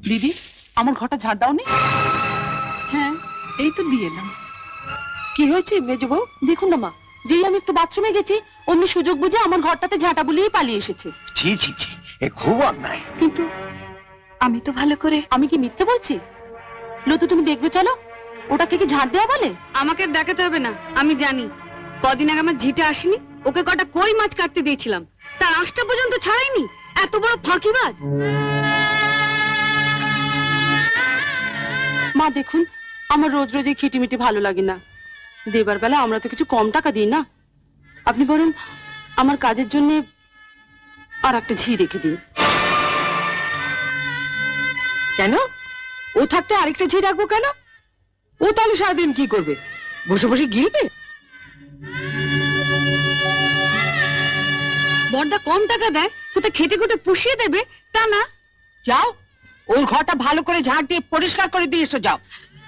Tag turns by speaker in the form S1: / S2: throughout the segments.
S1: দিদি, আমার ঘরটা ঝাড় দাওনি? হ্যাঁ, এই তো দিয়ে এলাম।
S2: কি হয়েছে মেজো বউ?
S1: দেখুন না মা, যেই আমি একটু বাথরুমে গেছি অমনি সুযোগ বুঝে আমার ঘরটাতে ঝাঁটা বুলিয়ে পালিয়ে এসেছে।
S3: ছি ছি ছি, এ খুব অন্যায়।
S1: কিন্তু আমি তো ভালো করে, আমি কি মিথ্যে বলছি? লতু, তুমি দেখবে চলো, ওটাকে কি ঝাড় দেওয়া বলে?
S2: আমাকে দেখাতে হবে না, আমি জানি। কদিন আগে আমার ঝিটা আসেনি, ওকে কটা কই মাছ কাটতে দিয়েছিলাম, তার আঁশটা পর্যন্ত ছাড়াইনি। এত বড় ফাঁকিবাজ।
S1: মা দেখুন, আমার রোজ রোজ এই খিটিমিটি ভালো লাগে না। দেবার বেলা আমরা তো কিছু কম টাকা দিই না। আপনি বরং আমার কাজের জন্য আর একটা ঝি রেখে দিন।
S2: কেন? ও থাকতে আরেকটা ঝি রাখবো কেন? ও তাহলে সারাদিন কি করবে? বসে বসে গিলবে? বড়দা কম টাকা দেয়, কোথায় খেটে খুঁটে পুষিয়ে দেবে তা না। যাও, ওর ঘরটা ভালো করে ঝাড় দিয়ে পরিষ্কার করে দিয়ে এসো, যাও।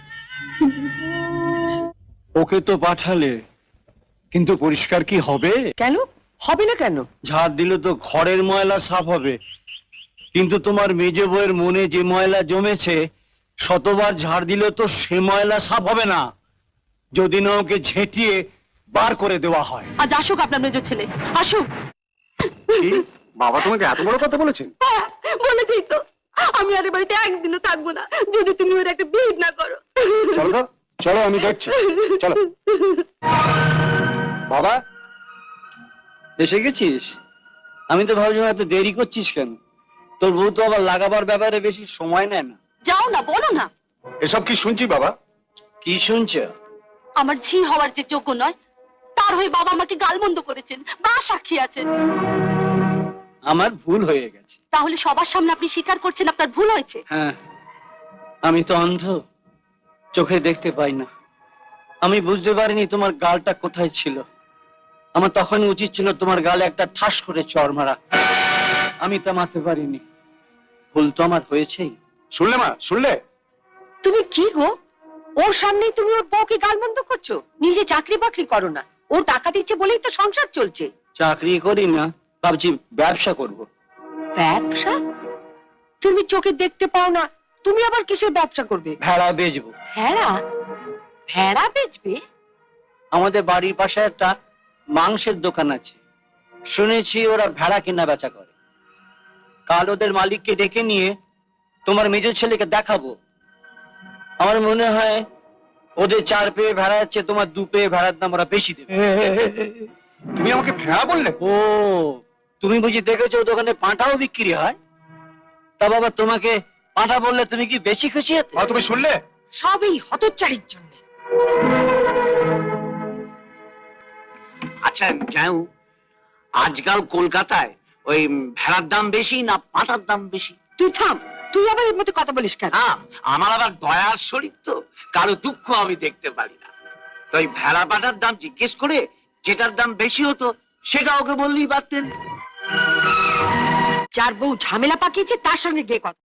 S3: ওকে তো পাঠালে, কিন্তু পরিষ্কার কি হবে?
S2: কেন হবে না? কেন?
S3: ঝাড় দিলে তো ঘরের ময়লা সাফ হবে, কিন্তু তোমার মেজে বউয়ের মনে যে ময়লা জমেছে, শতবার ঝাড় দিলে তো সে ময়লা সাফ হবে না, যদি না ওকে ঝেঁটিয়ে বার করে দেওয়া হয়।
S1: আজ আসুক আপনার মেজর ছেলে, আসুক।
S3: বাবা তোমাকে এত বড় কথা বলেছেন?
S1: বলেছি তো, আমি আর এ বাড়িতে একদিনও থাকবো না যদি তুমি ওর একটা বিহিত না করো।
S3: চলো তো, চলো আমি দেখছি, চলো। বাবা, এসে গেছিস? আমি তো ভাবছিলাম এত দেরি করছিস কেন? তোর বউ তো আবার লাগাবার ব্যাপারে বেশি সময় নেয় না।
S1: যাও না, বলো না।
S3: এসব কি শুনছি বাবা? কি শুনছ?
S1: আমার ঝি হওয়ার যে যোগ্য নয়, তার হয়ে বাবা আমাকে গালমন্দ করেছেন, বা সাক্ষী আছেন।
S3: আমার ভুল হয়ে গেছে।
S1: তাহলে সবার সামনে আপনি স্বীকার করছেন আপনার ভুল হয়েছে?
S3: হ্যাঁ, আমি তো অন্ধ, চোখে দেখতে পাই না। আমি বুঝতে পারিনি তোমার গালটা কোথায় ছিল। আমার তখনই উচিত ছিল তোমার গালে একটা ঠাস করে চড় মারা। আমি তা মারতে পারিনি। ভুল তো আমার হয়েছেই।
S4: শুনলে মা, শুনলে?
S2: তুমি কি গো, ওর সামনেই তুমি ওর বউকে গালমন্দ করছো? নিজে চাকরি বাকরি করো না, ও টাকা দিচ্ছে বলেই তো সংসার চলছে।
S3: চাকরি করি না, ভাবছি ব্যবসা করব।
S2: ব্যবসা? তুমি চোখে দেখতে পাও না, তুমি আবার কিসের ব্যবসা করবে?
S3: ভেড়া বেচবো।
S2: ভেড়া? ভেড়া বেচবে?
S3: আমাদের বাড়ির পাশে একটা মাংসের দোকান আছে, শুনেছি ওরা ভেড়া কেনা বেচা করে। কাল ওদের মালিককে ডেকে নিয়ে তোমার মেজর ছেলেকে দেখাবো। আমার মনে হয় ওদের 4 পেয়ে ভেড়া আছে, তোমার 2 পেয়ে ভেড়ার দাম ওরা বেশি দেবে।
S4: তুমি আমাকে ভেড়া বললে?
S3: ও, তুমি বুঝি দেখেছো দোকানে পাঁঠাও বিক্রি হয়? তা বাবা, তোমাকে পাঁঠা বললে তুমি কি বেশি খুশি হতে?
S4: মা, তুমি শুনলে?
S2: সবই হতচ্চারির জন্য।
S5: আচ্ছা যাও, আজকাল কলকাতায় ওই ভেড়ার দাম বেশি না পাঁঠার দাম বেশি?
S2: তুই থাম, তুই আবার এর মধ্যে কথা বলিস কেন?
S5: না, আমার আবার দয়ার শরীর তো, কারো দুঃখ আমি দেখতে পারি না। তো ওই ভেড়া পাঁঠার দাম জিজ্ঞেস করে যেটার দাম বেশি হতো সেটা ওকে বললেই পারতেন।
S2: যার বউ ঝামেলা পাকিয়েছে তার সঙ্গে গিয়ে কথা।